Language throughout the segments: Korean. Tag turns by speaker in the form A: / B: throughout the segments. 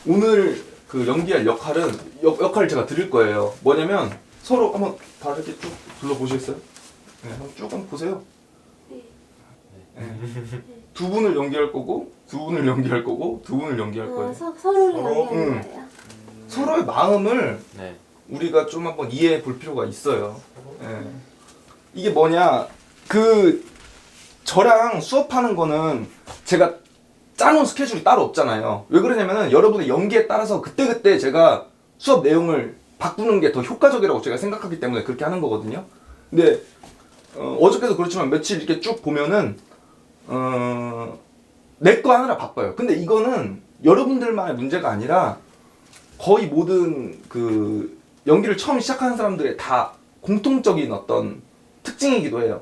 A: 오늘 그 연기할 역할은 역할을 제가 드릴 거예요. 뭐냐면 서로 한번 다 이렇게 쭉 둘러보시겠어요? 네, 한번 보세요. 네. 두 분을 연기할 거고, 두 분을 연기할 거고, 두 분을 연기할 거예요.
B: 서로를 연기하는 거예요?
A: 서로의 마음을
C: 네.
A: 우리가 좀 한번 이해해 볼 필요가 있어요. 네. 이게 뭐냐, 그 저랑 수업하는 거는 제가 짜놓은 스케줄이 따로 없잖아요. 왜 그러냐면은 여러분의 연기에 따라서 그때그때 제가 수업 내용을 바꾸는 게 더 효과적이라고 제가 생각하기 때문에 그렇게 하는 거거든요. 근데 어저께도 그렇지만 며칠 이렇게 쭉 보면은 내 거 하느라 바빠요. 근데 이거는 여러분들만의 문제가 아니라 거의 모든 그 연기를 처음 시작하는 사람들의 다 공통적인 어떤 특징이기도 해요.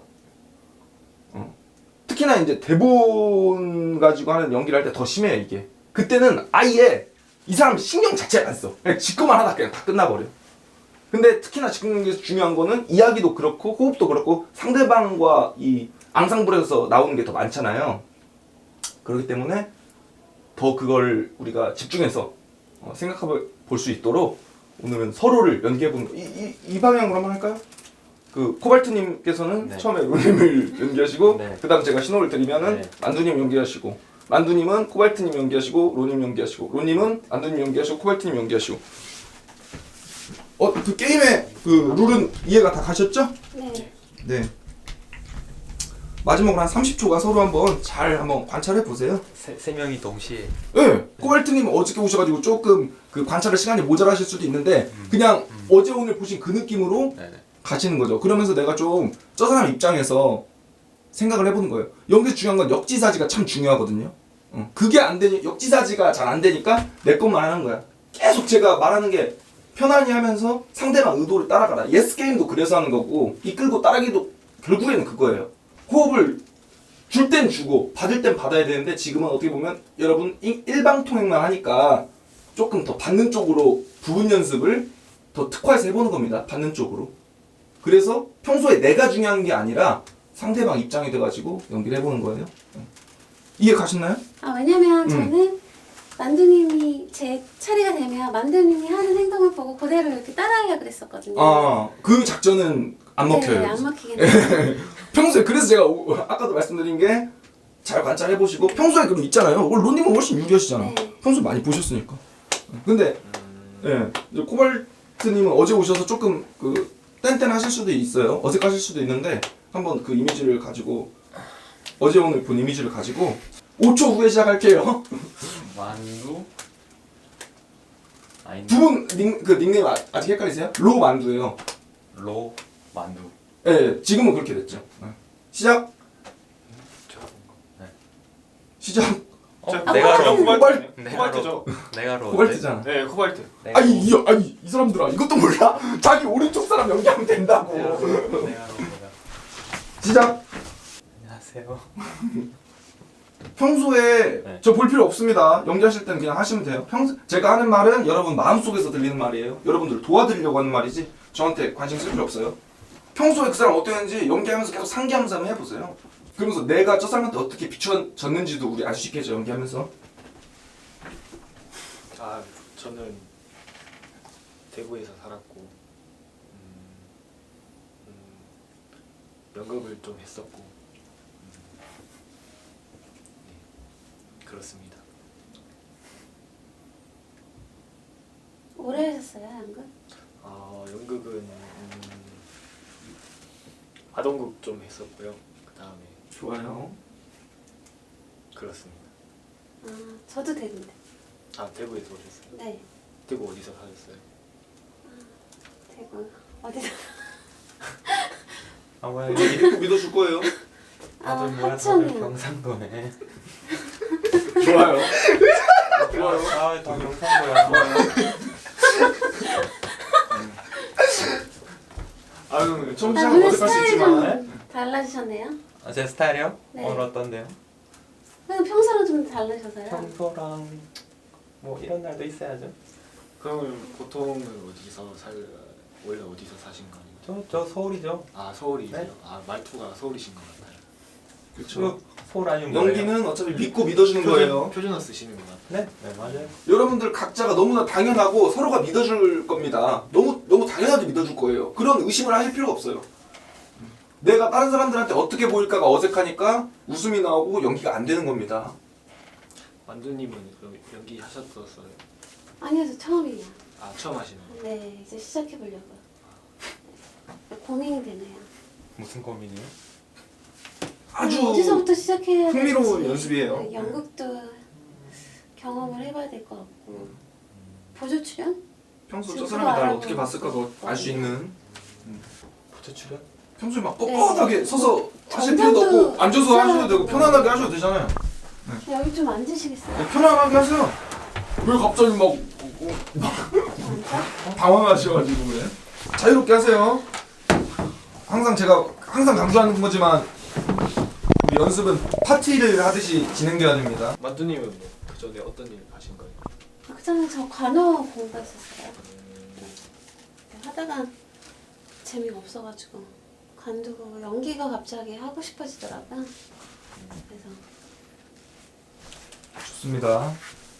A: 특히나 이제 대본 가지고 하는 연기를 할 때 더 심해요, 이게. 그때는 아예 이 사람 신경 자체를 안 써. 그냥 지꺼만 하다 그냥 다 끝나버려. 근데 특히나 지금 연기에서 중요한 거는 이야기도 그렇고 호흡도 그렇고 상대방과 이 앙상블에서 나오는 게 더 많잖아요. 그렇기 때문에 더 그걸 우리가 집중해서 생각해 볼 수 있도록 오늘은 서로를 연기해보는 이 방향으로 한번 할까요? 그 코발트님께서는
C: 네.
A: 처음에 로님을 연기하시고
C: 네.
A: 그 다음 제가 신호를 드리면은
C: 네.
A: 만두님 연기하시고 만두님은 코발트님 연기하시고 로님 연기하시고 로님은 만두님 연기하시고 코발트님 연기하시고 그 게임의 그 룰은 이해가 다 가셨죠?
B: 네.
A: 네. 마지막으로 한 30초가 서로 한번 잘 한번 관찰해 보세요.
C: 세 명이 동시에.
A: 네. 코발트님 어저께 오셔가지고 조금 그 관찰할 시간이 모자라실 수도 있는데 그냥 어제 오늘 보신 그 느낌으로
C: 네네.
A: 가시는 거죠. 그러면서 내가 좀 저 사람 입장에서 생각을 해보는 거예요. 여기서 중요한 건 역지사지가 참 중요하거든요. 그게 안 되니 역지사지가 잘 안 되니까 내 것만 하는 거야. 계속 제가 말하는 게 편안히 하면서 상대방 의도를 따라가라. 예스 게임도 그래서 하는 거고 이끌고 따라기도 결국에는 그거예요. 호흡을 줄 땐 주고 받을 땐 받아야 되는데 지금은 어떻게 보면 여러분 일방통행만 하니까 조금 더 받는 쪽으로 부분 연습을 더 특화해서 해보는 겁니다. 받는 쪽으로. 그래서 평소에 내가 중요한 게 아니라 상대방 입장이 돼가지고 연기를 해보는 거예요. 이해 가셨나요?
B: 왜냐면 저는 만두님이 제 차례가 되면 만두님이 하는 행동을 보고 그대로 이렇게 따라하려고 그랬었거든요.
A: 그 작전은 안 먹혀요.
B: 네, 안 먹히겠네요.
A: 평소에 그래서 제가 아까도 말씀드린 게 잘 관찰해 보시고 평소에 그럼 있잖아요. 로님은 훨씬 유리하시잖아.
B: 네.
A: 평소에 많이 보셨으니까. 근데 코발트님은 어제 오셔서 조금 그 뗀뗀하실 수도 있어요. 어색하실 수도 있는데 한번 그 이미지를 가지고 어제 오늘 본 이미지를 가지고 5초 후에 시작할게요.
C: 만두. 아닌데.
A: 두 분 닉네임 아직 헷갈리세요? 로 만두예요.
C: 로 만두.
A: 네, 지금은 그렇게 됐죠. 시작.
C: 네.
A: 시작.
C: 내가 로.
A: 코발트.
D: 코발트죠.
C: 내가 로.
A: 코발트잖아.
D: 네, 코발트.
A: 아니 이 사람들아 이것도 몰라? 자기 오른쪽 사람 연기하면 된다고.
C: 내가 로.
A: 시작.
C: 안녕하세요.
A: 평소에
C: 네.
A: 저 볼 필요 없습니다. 연기하실 때는 그냥 하시면 돼요. 제가 하는 말은 여러분 마음속에서 들리는 말이에요. 여러분들 도와드리려고 하는 말이지 저한테 관심 쓸 필요 없어요. 평소에 그 사람 어땠는지 연기하면서 계속 상기하면서 한번 해보세요. 그러면서 내가 저 사람한테 어떻게 비춰졌는지도 우리 알 수 있겠죠, 연기하면서.
D: 저는 대구에서 살았고 연극을 좀 했었고 네, 그렇습니다.
B: 오래 하셨어요, 연극?
D: 연극은 아동극 좀 했었고요. 그 다음에
A: 좋아요.
D: 그렇습니다.
B: 저도 되는데.
D: 대구에서 오셨어요?
B: 네.
D: 대구 어디서 사셨어요?
B: 대구 어디서?
C: 뭐야
A: 믿어줄 거예요.
B: 하천이요.
C: 경상도네.
A: 좋아요.
C: 좋아요. 다 경상도야.
A: 처음 시작은
B: 오늘
A: 어색할 수
B: 스타일이
A: 있지만.
B: 좀 달라지셨네요.
C: 제 스타일이요?
B: 네.
C: 오늘 어떤데요?
B: 그냥 평소랑 좀 다르셔서요.
C: 평소랑 뭐 이런 날도 있어야죠.
D: 그러면 보통은 원래 어디서 사신 거 아니에요?
C: 저 서울이죠.
D: 서울이세요?
C: 네.
D: 말투가 서울이신 것 같아요.
A: 그렇죠.
C: 소라는 뭐예요?
A: 연기는 어차피 믿고 믿어주는 거예요.
D: 표준어 쓰시는구나.
C: 네, 네 맞아요.
A: 여러분들 각자가 너무나 당연하고 서로가 믿어줄 겁니다. 너무 당연하게 믿어줄 거예요. 그런 의심을 하실 필요가 없어요. 내가 다른 사람들한테 어떻게 보일까가 어색하니까 웃음이 나오고 연기가 안 되는 겁니다.
D: 만두님은 그럼 연기 하셨었어요?
B: 아니요, 저 처음이에요.
D: 아 처음 하시는 거.
B: 네, 이제 시작해 보려고요. 고민이 되네요.
C: 무슨 고민이요?
A: 아주
B: 어디서부터 시작해야 될지.
A: 흥미로운 연습이에요.
B: 네, 연극도 경험을 해봐야 될 것 같고 보조 출연?
A: 평소
B: 지금
A: 저 사람이 나를
B: 알아보고
A: 어떻게 봤을까도 알 수 있는
C: 부처 출연?
A: 평소에 막
B: 네.
A: 뻣뻣하게 서서 하실
B: 정면도
A: 필요도 없고 앉아서 하셔도 되고
B: 있어요.
A: 편안하게 하셔도 되잖아요.
B: 여기 좀 앉으시겠어요?
A: 네, 편안하게 하세요. 왜 갑자기 막
B: 앉아?
A: 당황하셔가지고 왜? 자유롭게 하세요. 항상 강조하는 거지만 우리 연습은 파티를 하듯이 진행돼야 됩니다.
D: 만두님은 뭐그 전에 어떤 일 하신 거예요?
B: 그 전에 저 관어 공부했었어요. 하다가 재미가 없어가지고 관두고 연기가 갑자기 하고 싶어지더라고요. 그래서
A: 좋습니다.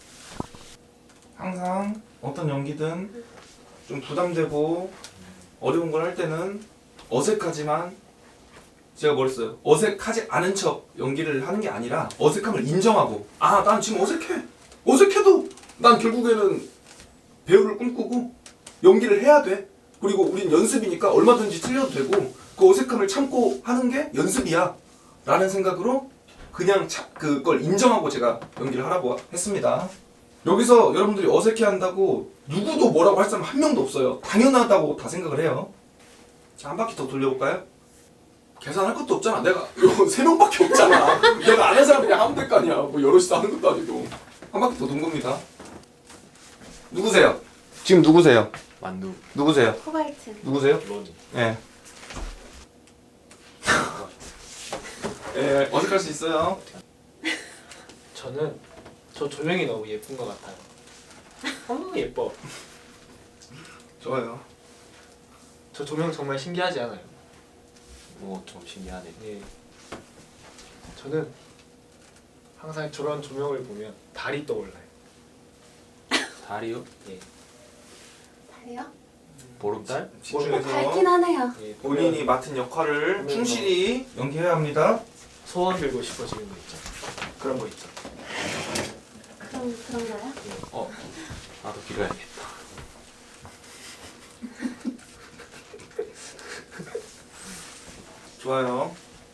A: 항상 어떤 연기든 좀 부담되고 어려운 걸 할 때는 어색하지만 제가 뭐랬어요? 어색하지 않은 척 연기를 하는 게 아니라 어색함을 인정하고 난 지금 어색해. 어색해도 난 결국에는 배우를 꿈꾸고 연기를 해야 돼. 그리고 우린 연습이니까 얼마든지 틀려도 되고 그 어색함을 참고 하는 게 연습이야 라는 생각으로 그냥 그걸 인정하고 제가 연기를 하라고 했습니다. 여기서 여러분들이 어색해한다고 누구도 뭐라고 할 사람 한 명도 없어요. 당연하다고 다 생각을 해요. 자, 한 바퀴 더 돌려볼까요? 계산할 것도 없잖아. 내가 이거 3명밖에 없잖아. 내가 아는 사람 그냥 하면 될 거 아니야. 뭐 여럿이서 하는 것도 아니고. 한 바퀴 더 돈 겁니다. 누구세요? 지금 누구세요?
C: 만두.
A: 누구세요?
B: 코발트.
A: 누구세요?
D: 로니.
A: 예. 예, 어색할 수 있어요.
D: 저는 저 조명이 너무 예쁜 것 같아요. 너무 예뻐.
A: 좋아요.
D: 저 조명 정말 신기하지 않아요?
C: 좀 신기하네.
D: 예. 저는 항상 저런 조명을 보면 달이 떠올라요.
C: 달이요?
D: 예.
B: 달이요?
C: 보름달?
A: 집중해서
B: 밝긴 하네요.
D: 예.
A: 본인이 맡은 역할을
D: 보면
A: 충실히 연기해야 합니다.
D: 소원 빌고 싶어지는 거 있죠. 그런 거 있죠.
B: 그런가요?
C: 나도 빌어야겠다.
A: 좋아요.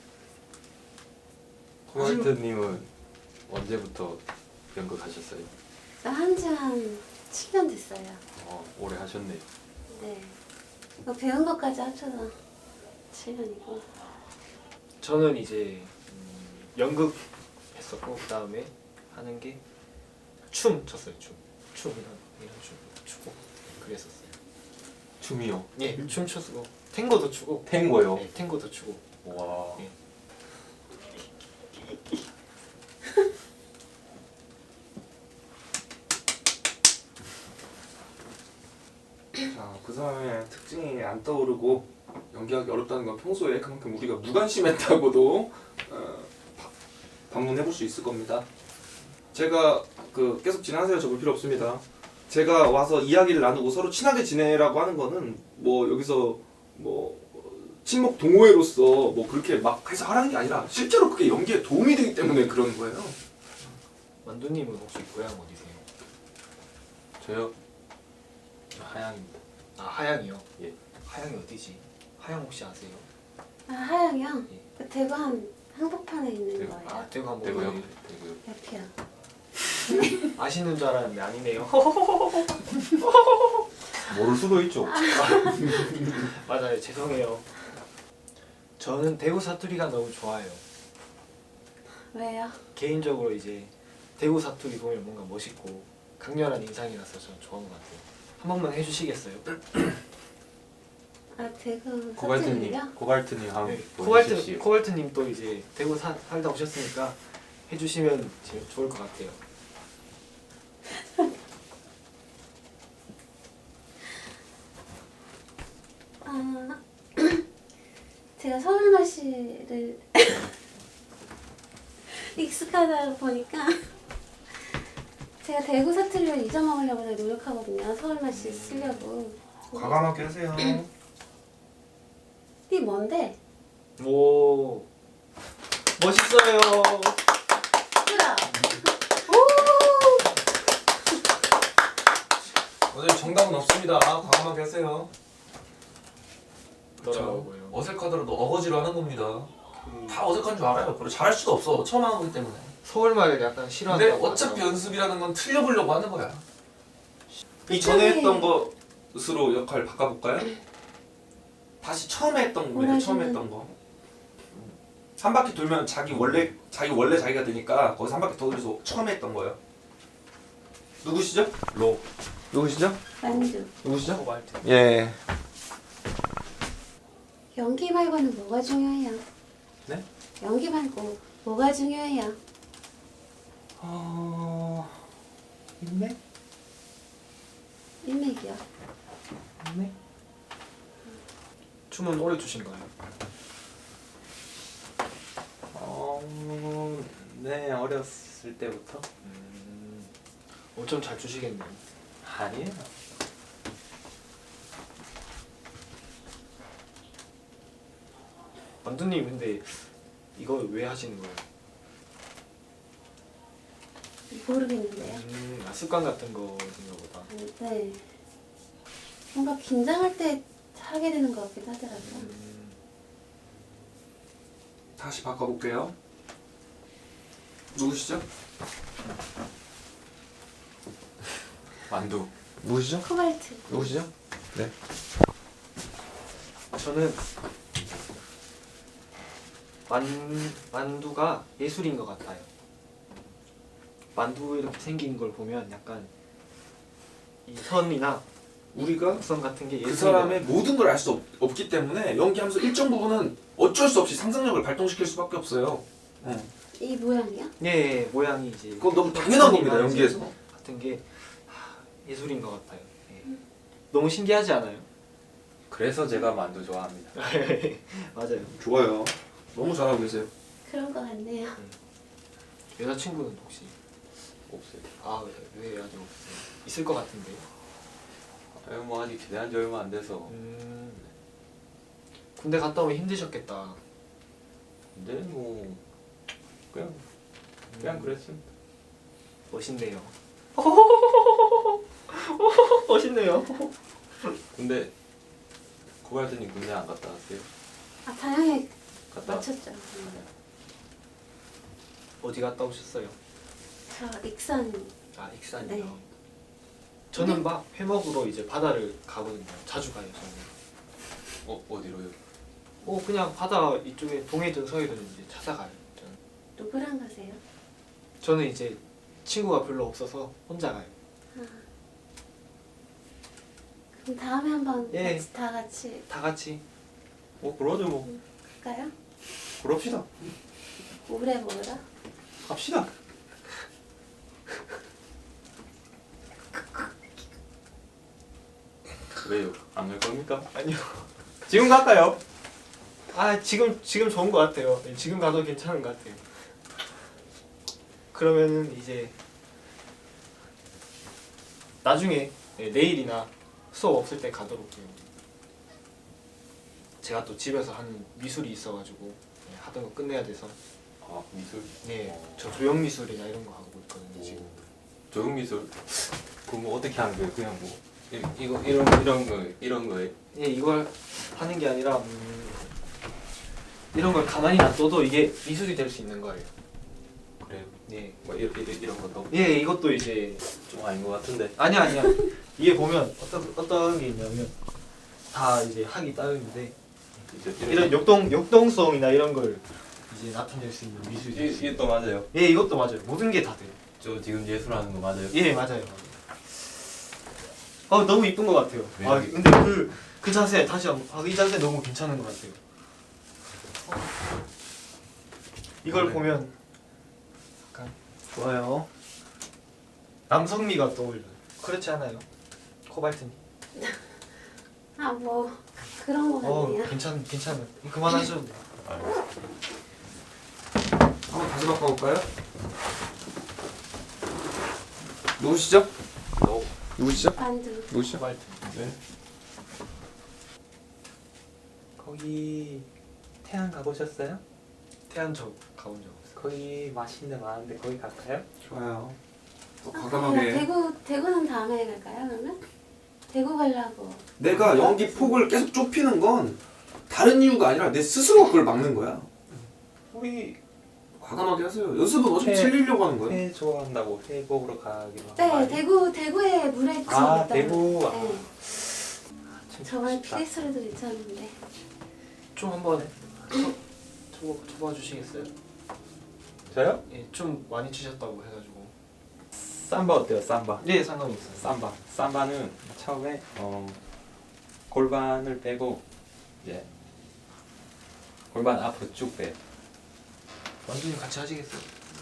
C: 코발트님은 언제부터 연극하셨어요?
B: 한지 한 7년 됐어요.
C: 오래 하셨네요.
B: 네. 이거 배운 것까지 합쳐서 7년이고.
D: 저는 이제 연극 했었고 그 다음에 하는 게 춤 췄어요. 춤 이런 춤 추고 그랬었어요.
C: 춤이요?
D: 예, 춤 췄고 탱고도 추고.
C: 탱고요?
D: 네, 탱고도 추고.
C: 와.
D: 예.
A: 자, 그 사람의 특징이 안 떠오르고 연기하기 어렵다는 건 평소에 그만큼 우리가 무관심했다고도 반문해볼 수 있을 겁니다. 제가 계속 진행하세요. 저 볼 필요 없습니다. 제가 와서 이야기를 나누고 서로 친하게 지내라고 하는 거는 뭐 여기서 뭐 친목 동호회로서 뭐 그렇게 막 해서 하라는 게 아니라 실제로 그게 연기에 도움이 되기 때문에 그런 거예요.
D: 만두님은 혹시 고향 어디세요?
C: 저요? 저 하양입니다.
D: 아 하양이요?
C: 예.
D: 하양이 어디지? 하양 혹시 아세요?
B: 아, 하양이요?
D: 예.
B: 그 대구 한복판에 있는
C: 대구.
B: 거예요?
D: 아 대구 한번
C: 대구요?
D: 가요.
C: 대구요.
B: 옆이요.
D: 아시는 줄 알았는데 아니네요.
C: 모를 수도 있죠.
D: 맞아요. 죄송해요. 저는 대구 사투리가 너무 좋아요.
B: 왜요?
D: 개인적으로 이제 대구 사투리 보면 뭔가 멋있고 강렬한 인상이라서 저는 좋아하는 것 같아요. 한 번만 해주시겠어요?
B: 아, 대구
C: 코발트님,
B: 사투리요?
C: 코발트님 한번
D: 네,
C: 보여주십시오.
D: 코발트님 또 이제 대구 살다 오셨으니까 해주시면 제일 좋을 것 같아요.
B: 아, 제가 서울말씨를 익숙하다 보니까 제가 대구 사투리를 잊어먹으려고 되게 노력하거든요. 서울 맛이 쓰려고.
A: 과감하게 하세요.
B: 이게 뭔데?
D: 오 멋있어요.
B: 그라.
E: 오늘 정답은 없습니다. 과감하게 하세요.
D: 뭐라고요?
E: 어색하더라도 어거지로 하는 겁니다. 다 어색한 줄 알아요. 그리고 잘할 수도 없어. 처음 하는 거기 때문에.
D: 서울말을 약간
E: 근데
D: 싫어한다고
E: 어차피
D: 하더라고요.
E: 연습이라는 건 틀려보려고 하는 거야.
A: 이전에 했던 것으로 역할 바꿔볼까요? 다시 처음에 했던 거예요. 처음에 했던 거. 한 바퀴 돌면 자기 원래 자기가 되니까 거기서 한 바퀴 더 돌려서 처음에 했던 거예요. 누구시죠?
C: 로.
A: 누구시죠?
B: 만두.
A: 누구시죠?
D: 코발트.
A: 예.
B: 연기 말고는 뭐가 중요해요?
A: 네?
B: 연기 말고 뭐가 중요해요?
A: 인맥?
B: 인맥이요.
A: 인맥?
D: 춤은 오래 추신가요?
C: 네, 어렸을 때부터.
D: 좀 잘 추시겠네요.
C: 아니에요.
D: 만두님 근데 이거 왜 하시는 거예요?
B: 모르겠는데요.
D: 습관 같은 거인가 보다.
B: 네. 뭔가 긴장할 때 하게 되는 것 같기도 하더라고요.
A: 다시 바꿔볼게요. 누구시죠?
C: 만두.
A: 누구시죠?
B: 코발트.
A: 누구시죠? 네.
D: 저는 만두가 예술인 것 같아요. 만두 이렇게 생긴 걸 보면 약간 이 선이나
A: 우리가
D: 곡선 같은 게
A: 그
D: 예술인
A: 사람의 모든 걸 알 수 없기 때문에 연기하면서 일정 부분은 어쩔 수 없이 상상력을 발동시킬 수밖에 없어요.
B: 이 모양이요?
D: 예, 모양이 이제
A: 그건 너무 당연한 겁니다,
D: 선이나
A: 연기에서.
D: 같은 게 예술인 것 같아요. 예. 너무 신기하지 않아요?
C: 그래서 제가 만두 좋아합니다.
D: 맞아요.
A: 좋아요. 너무 잘하고 계세요.
B: 그런 것 같네요.
D: 여자친구는 혹시
C: 없어요.
D: 왜 아직 없어요? 있을 것 같은데.
C: 뭐 아직 제대한 지 얼마 안 돼서.
D: 군대 갔다 오면 힘드셨겠다.
C: 근데 뭐 그냥 그랬습니다.
D: 멋있네요. 멋있네요.
C: 근데 고발드님 군대 안 갔다 왔어요?
B: 당연히
C: 갔다 왔.
B: 맞췄죠.
D: 어디 갔다 오셨어요?
B: 저 익산.
D: 익산이요.
B: 네.
D: 저는 막 회먹으로 이제 바다를 가거든요. 자주 가요 저는.
C: 어디로요?
D: 그냥 바다 이쪽에 동해든 서해든 이제 찾아가요. 저는.
B: 누구랑 가세요?
D: 저는 이제 친구가 별로 없어서 혼자 가요.
B: 그럼 다음에 한번
D: 예.
B: 다 같이
C: 다 같이. 그러죠 뭐.
B: 갈까요?
C: 그럽시다.
B: 오래 먹으러?
C: 갑시다. 왜요? 안 갈 겁니까?
D: 아니요.
C: 지금 갈까요?
D: 지금 좋은 것 같아요. 네, 지금 가도 괜찮은 것 같아요. 그러면은 이제 나중에 내일이나 수업 없을 때 가도록 해요. 제가 또 집에서 하는 미술이 있어가지고 하던 거 끝내야 돼서.
C: 미술.
D: 저 조형 미술이나 이런 거 하고 있거든요 지금.
C: 조형 미술. 그럼 뭐 어떻게 하는 거예요? 그냥 뭐 이런 거에.
D: 이걸 하는 게 아니라 이런 걸 가만히 놔둬도 이게 미술이 될 수 있는 거예요.
C: 그래요?
D: 네.
C: 뭐 이런 것도
D: 이것도 이제
C: 좀 아닌 것 같은데.
D: 아니야. 이게 보면 어떤 게 있냐면 다 이제 학이 따로 있는데 이런 역동성이나 이런 걸 이제 나타낼 수 있는 미술이 될 수
C: 이게
D: 있는.
C: 또 맞아요.
D: 이것도 맞아요. 모든 게 다 돼요.
C: 저 지금 예술하는 거 맞아요?
D: 맞아요. 너무 이쁜 것 같아요.
C: 네.
D: 근데 그 자세 다시 한번 이 자세 너무 괜찮은 것 같아요. 이걸
C: 네.
D: 보면 약간
A: 좋아요.
D: 남성미가 떠올려요. 그렇지 않아요? 코발트님.
B: 뭐 그런 거 같네요.
D: 괜찮아요. 그만하셔도 돼요.
A: 한번 다시 바꿔볼까요? 누구시죠? 누구시죠?
B: 만두.
A: 누구시죠?
D: 코발트.
A: 네.
F: 거기 태안 가보셨어요?
D: 태안 저 가본 적 없어요.
F: 거기 맛있는 데 많은데 거기 갈까요?
A: 좋아요. 또
B: 그냥
A: 과감하게.
B: 대구는 다음에 갈까요 그러면? 대구 가려고.
A: 내가 연기 폭을 계속 좁히는 건 다른 이유가 아니라 내 스스로가 그걸 막는 거야.
F: 우리
A: 과감하게 하세요. 연습은 어차피
F: 회-
A: 틀리려고 하는 거야.
F: 회 좋아한다고 회 먹으러 가기로
B: 네,
F: 한
B: 대구에 물회집
F: 아
B: 있더라고요.
F: 대구
B: 네.
F: 참
B: 저번에
F: 쉽다.
B: PX로도 있었는데.
D: 좀 한번 쳐봐 주시겠어요?
F: 저요?
D: 예, 좀 많이 치셨다고 해가지고.
F: 삼바 어때요? 삼바
D: 네, 상관이 없어요.
F: 삼바는 처음에 골반을 빼고 이제 골반 앞으로 쭉 빼요.
D: 완전히 같이 하시겠어요?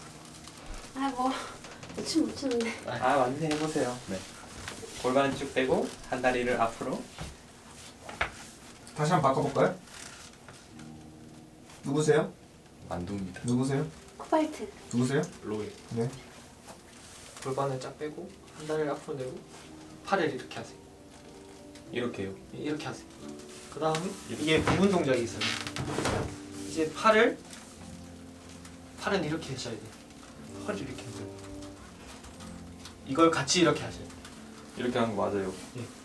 B: 못 추는데.
F: 아 완전 해보세요. 네. 골반을 쭉 빼고 한 다리를 앞으로.
A: 다시 한번 바꿔볼까요? 누구세요?
F: 만두입니다.
A: 누구세요?
B: 코발트.
A: 누구세요?
D: 로이.
A: 네.
D: 골반을 쫙 빼고 한 다리를 앞으로 내고 팔을 이렇게 하세요.
F: 이렇게요.
D: 예, 이렇게 하세요. 그 다음에 이게 부분 동작이 있어요. 이제 팔은 이렇게 하셔야 돼요. 팔을 이렇게 하세요. 이걸 같이 이렇게 하셔야 돼요.
F: 이렇게 하는 거 맞아요.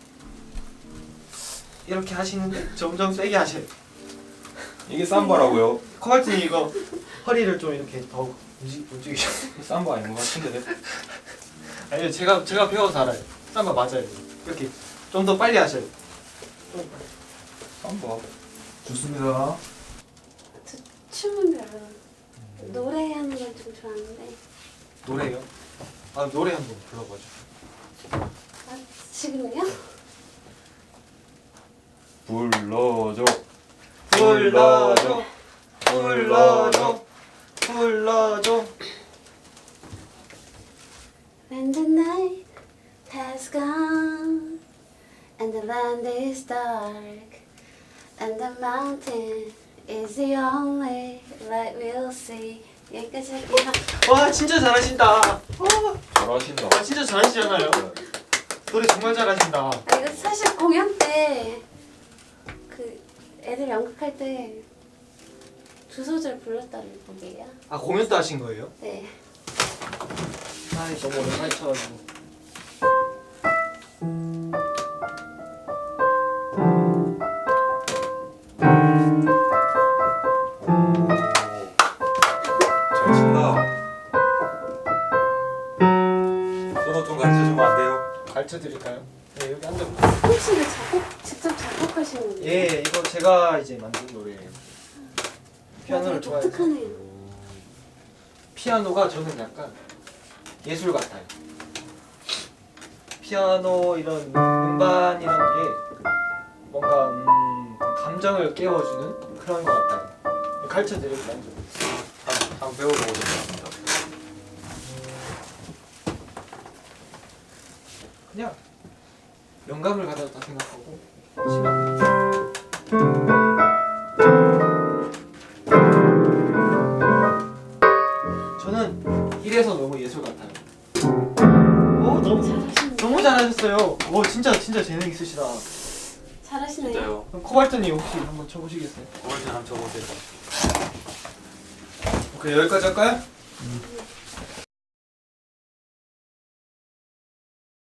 D: 이렇게 하시는데 점점 세게 하셔야 돼요.
F: 이게 삼바라고요?
D: 코발트님 이거 허리를 좀 이렇게 더 움직이셔.
F: 삼바 아닌 것 같은데.
D: 아니요, 제가 배워서 알아요. 삼바 맞아요. 이렇게 좀 더 빨리 하셔야 돼요. 좀 빨리.
F: 삼바.
A: 좋습니다.
B: 춤은 별로. 노래하는 건 좀 좋아하는데.
D: 노래요? 아 노래 한번 불러봐줘.
B: 아, 지금요?
F: 불러줘.
D: 불러줘, 불러줘, 불러줘.
B: When the night has gone and the land is dark and the mountain is the only light we'll see. 여기까지 할게요.
D: 와 진짜 잘하신다.
F: 잘하신다.
D: 와 진짜 잘하시잖아요. 노래 정말 잘하신다.
B: 아, 이거 사실 공연 때 그 애들 연극할 때 두 소절 불렀다는 곡이에요.
D: 아 공연 때 하신 거예요?
B: 네.
D: 아 너무 오랜만에 쳐가지고.
F: 잘 친다. 소로 좀 가르쳐 주면 안 돼요?
D: 가르쳐 드릴까요? 네 여기 앉아.
B: 혹시 이거 직접 작곡하신 거예요?
D: 예 이거 제가 이제 만든 노래예요. 피아노를
B: 되게
D: 좋아해서.
B: 독특하네요.
D: 피아노가 저는 약간 예술 같아요. 피아노 이런 음반이라는 게 뭔가 감정을 깨워주는 그런 것 같아요. 가르쳐 드릴까요?
F: 한번 배워보고 싶습니다.
D: 그냥 영감을 가졌다 생각하고 시간. 저는 이래서 너무 예술 같아요. 오
B: 잘하시네요.
D: 너무 잘하셨어요. 오 진짜 재능 있으시다.
B: 잘하시네요.
F: 진짜요.
D: 그럼 코발트님 혹시 한번 쳐보시겠어요?
F: 오늘 좀 한번 쳐보세요.
A: 오케이, 여기까지 할까요?